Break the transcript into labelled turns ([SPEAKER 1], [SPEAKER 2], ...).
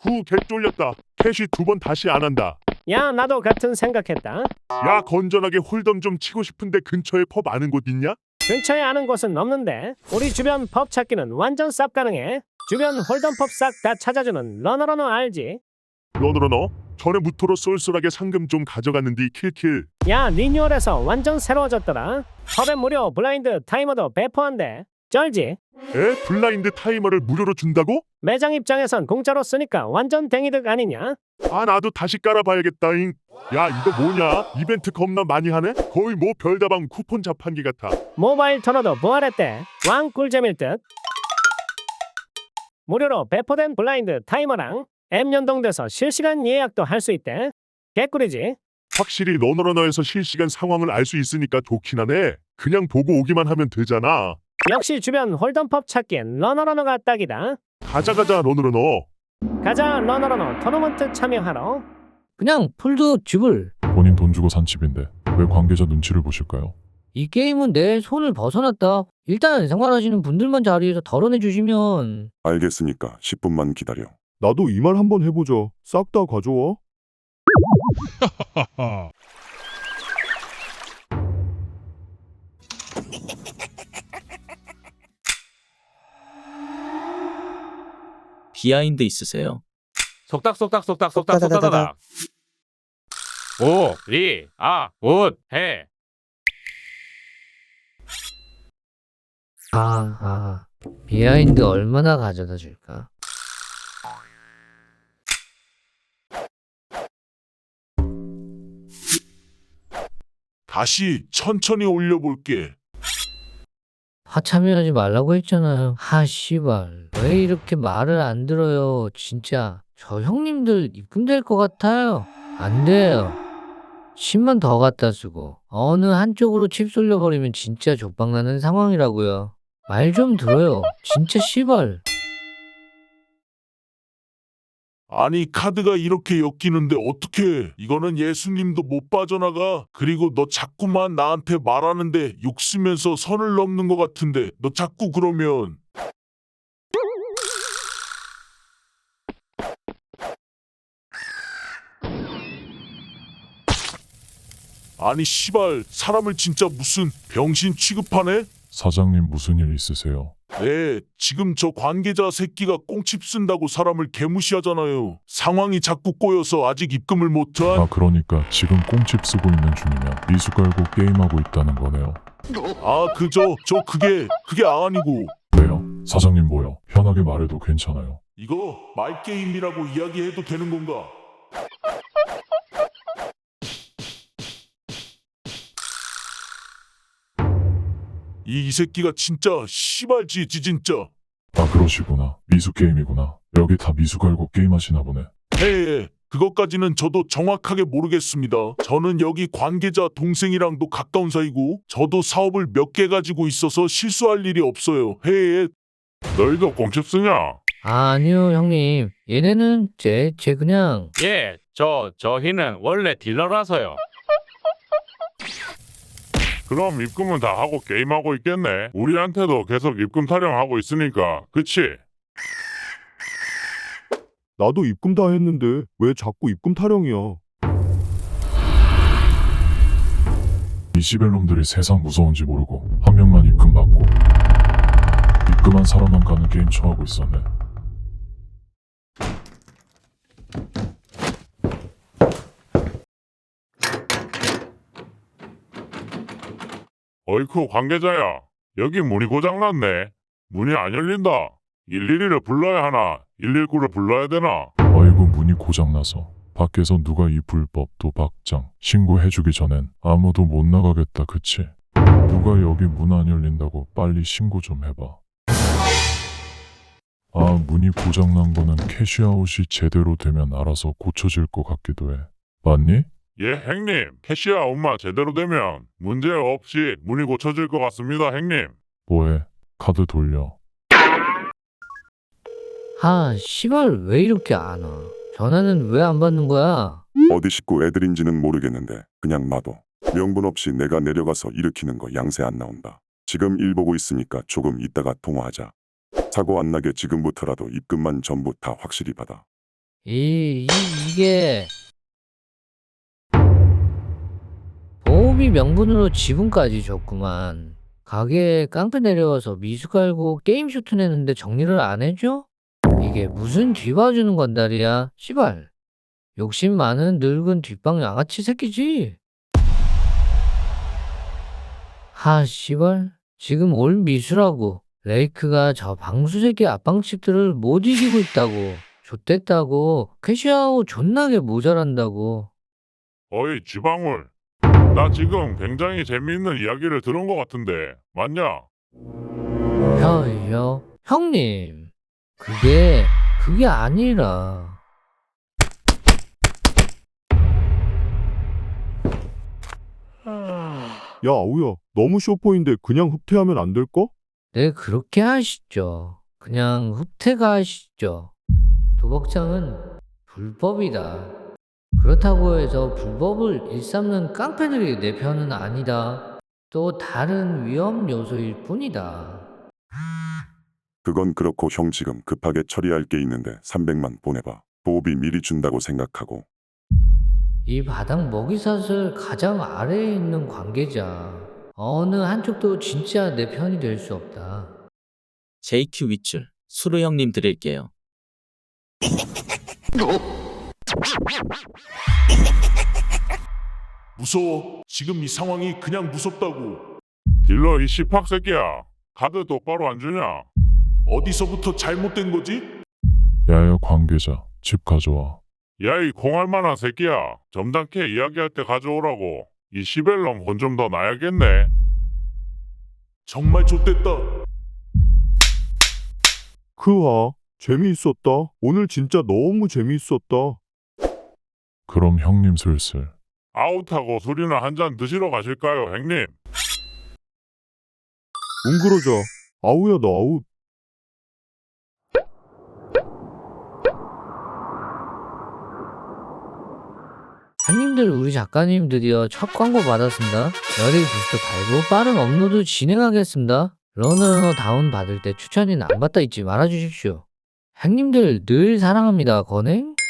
[SPEAKER 1] 후, 개 쫄렸다. 캐시 2번 다시 안 한다.
[SPEAKER 2] 야, 나도 같은 생각했다.
[SPEAKER 1] 야, 건전하게 홀덤 좀 치고 싶은데 근처에 펍 아는 곳 있냐?
[SPEAKER 2] 근처에 아는 곳은 없는데 우리 주변 펍 찾기는 완전 쌉 가능해. 주변 홀덤 펍 싹 다 찾아주는 러너러너 알지?
[SPEAKER 1] 너너너 전에 무토로 쏠쏠하게 상금 좀 가져갔는디 킬킬.
[SPEAKER 2] 야, 리뉴얼해서 완전 새로워졌더라. 펍에 무료 블라인드 타이머도 배포한대. 쩔지?
[SPEAKER 1] 에? 블라인드 타이머를 무료로 준다고?
[SPEAKER 2] 매장 입장에선 공짜로 쓰니까 완전 댕이득 아니냐?
[SPEAKER 1] 아, 나도 다시 깔아봐야겠다잉. 야, 이거 뭐냐? 이벤트 겁나 많이 하네? 거의 뭐 별다방 쿠폰 자판기 같아.
[SPEAKER 2] 모바일 터너도 부활했대. 왕 꿀잼일 듯. 무료로 배포된 블라인드 타이머랑 앱 연동돼서 실시간 예약도 할 수 있대. 개꿀이지?
[SPEAKER 1] 확실히 러너러너에서 실시간 상황을 알 수 있으니까 좋긴 하네. 그냥 보고 오기만 하면 되잖아.
[SPEAKER 2] 역시 주변 홀덤펍 찾기엔 러너러너가 딱이다.
[SPEAKER 1] 가자 러너러너.
[SPEAKER 2] 가자 러너러너 토너먼트 참여하러.
[SPEAKER 3] 그냥 풀도 줍을.
[SPEAKER 4] 본인 돈 주고 산 집인데 왜 관계자 눈치를 보실까요?
[SPEAKER 3] 이 게임은 내 손을 벗어났다. 일단 생활하시는 분들만 자리에서 덜어내 주시면.
[SPEAKER 5] 알겠으니까 10분만 기다려.
[SPEAKER 6] 나도 이 말 한번 해보자. 싹 다 가져와.
[SPEAKER 7] 비하인드 있으세요?
[SPEAKER 8] 속닥속닥속닥속닥속닥닥. 오, 리, 아, 굿, 해.
[SPEAKER 3] 비하인드 얼마나 가져다 줄까?
[SPEAKER 1] 다시 천천히 올려볼게.
[SPEAKER 3] 하참여하지 말라고 했잖아요. 씨발. 왜 이렇게 말을 안 들어요. 진짜. 저 형님들 입금될 것 같아요. 안 돼요. 10만 더 갖다 쓰고 어느 한쪽으로 칩 쏠려버리면 진짜 족박나는 상황이라고요. 말 좀 들어요. 진짜 씨발.
[SPEAKER 1] 아니, 카드가 이렇게 엮이는데 어떡해. 이거는 예수님도 못 빠져나가. 그리고 너 자꾸만 나한테 말하는데 욕 쓰면서 선을 넘는 것 같은데 너 자꾸 그러면. 아니 씨발, 사람을 진짜 무슨 병신 취급하네?
[SPEAKER 4] 사장님 무슨 일 있으세요?
[SPEAKER 1] 네, 지금 저 관계자 새끼가 꽁칩 쓴다고 사람을 개무시하잖아요. 상황이 자꾸 꼬여서 아직 입금을 못한.
[SPEAKER 4] 아 그러니까 지금 꽁칩 쓰고 있는 중이면 미수 깔고 게임하고 있다는 거네요.
[SPEAKER 1] 아, 그게 아니고.
[SPEAKER 4] 왜요? 사장님 뭐요? 편하게 말해도 괜찮아요.
[SPEAKER 1] 이거 말게임이라고 이야기해도 되는 건가? 이 새끼가 진짜 씨발지 진짜.
[SPEAKER 4] 아 그러시구나. 미수 게임이구나. 여기 다 미수 깔고 게임하시나 보네.
[SPEAKER 1] 예, 그것까지는 저도 정확하게 모르겠습니다. 저는 여기 관계자 동생이랑도 가까운 사이고 저도 사업을 몇 개 가지고 있어서 실수할 일이 없어요. 예. 너희도 꽁칩 쓰냐?
[SPEAKER 3] 아니요 형님. 얘네는 제 그냥.
[SPEAKER 8] 예, 저희는 원래 딜러라서요.
[SPEAKER 1] 그럼 입금은 다 하고 게임하고 있겠네. 우리한테도 계속 입금 타령하고 있으니까. 그치?
[SPEAKER 6] 나도 입금 다 했는데 왜 자꾸 입금 타령이야.
[SPEAKER 4] 이 시벨놈들이 세상 무서운지 모르고 한 명만 입금 받고 입금한 사람만 가는 게임 쳐하고 있었네.
[SPEAKER 1] 어이쿠, 관계자야. 여기 문이 고장났네. 문이 안 열린다. 112를 불러야 하나? 119를 불러야 되나?
[SPEAKER 4] 아이고 문이 고장나서 밖에서 누가 이 불법 도박장 신고해주기 전엔 아무도 못 나가겠다 그치? 누가 여기 문 안 열린다고 빨리 신고 좀 해봐. 아 문이 고장난 거는 캐시아웃이 제대로 되면 알아서 고쳐질 것 같기도 해. 맞니?
[SPEAKER 1] 예, 형님. 캐시아웃만 제대로 되면 문제 없이 문이 고쳐질 것 같습니다, 형님.
[SPEAKER 4] 뭐해? 카드 돌려.
[SPEAKER 3] 씨발 왜 이렇게 안 와? 전화는 왜 안 받는 거야?
[SPEAKER 5] 어디 식구 애들인지는 모르겠는데 그냥 놔둬. 명분 없이 내가 내려가서 일으키는 거 양세 안 나온다. 지금 일 보고 있으니까 조금 이따가 통화하자. 사고 안 나게 지금부터라도 입금만 전부 다 확실히 받아.
[SPEAKER 3] 이게 보험이 명분으로 지분까지 줬구만. 가게에 깡패 내려와서 미수 갈고 게임 쇼트 내는데 정리를 안 해줘? 이게 무슨 뒤봐주는 건달이야, 씨발. 욕심 많은 늙은 뒷방 양아치 새끼지? 하, 씨발. 지금 올 미수라고. 레이크가 저 방수새끼 앞방집들을 못 이기고 있다고. 좆됐다고. 캐시아웃 존나게 모자란다고.
[SPEAKER 1] 어이 지방울, 나 지금 굉장히 재미있는 이야기를 들은 것 같은데 맞냐?
[SPEAKER 3] 형님. 그게 아니라.
[SPEAKER 6] 야, 아우야, 너무 쇼포인데 그냥 흡퇴하면 안 될까?
[SPEAKER 3] 네, 그렇게 하시죠. 그냥 흡퇴가 하시죠. 도박장은 불법이다. 그렇다고 해서 불법을 일삼는 깡패들이 내 편은 아니다. 또 다른 위험 요소일 뿐이다.
[SPEAKER 5] 그건 그렇고 형 지금 급하게 처리할 게 있는데 300만 보내봐. 보호비 미리 준다고 생각하고.
[SPEAKER 3] 이 바닥 먹이사슬 가장 아래에 있는 관계자. 어느 한쪽도 진짜 내 편이 될 수 없다.
[SPEAKER 7] JQ 윗줄 수루 형님 드릴게요.
[SPEAKER 1] 무서워. 지금 이 상황이 그냥 무섭다고. 딜러 이 씨팍 새끼야. 카드 똑바로 안 주냐? 어디서부터 잘못된 거지?
[SPEAKER 4] 야야 관계자 집 가져와.
[SPEAKER 1] 야 이 공할만한 새끼야. 점잖게 이야기할 때 가져오라고. 이 시벨럼 혼 좀 더 나야겠네. 정말 좆됐다.
[SPEAKER 6] 크하, 재미있었다. 오늘 진짜 너무 재미있었다.
[SPEAKER 4] 그럼 형님 슬슬.
[SPEAKER 1] 아웃하고 술이나 한 잔 드시러 가실까요, 형님?
[SPEAKER 6] 웅그러자. 아우야, 너 아웃.
[SPEAKER 3] 형님들, 우리 작가님 드디어 첫 광고 받았습니다. 열일 부스트 달고 빠른 업로드 진행하겠습니다. 러너 다운 받을 때 추천인 안 받다 잊지 말아주십시오. 형님들 늘 사랑합니다. 건행.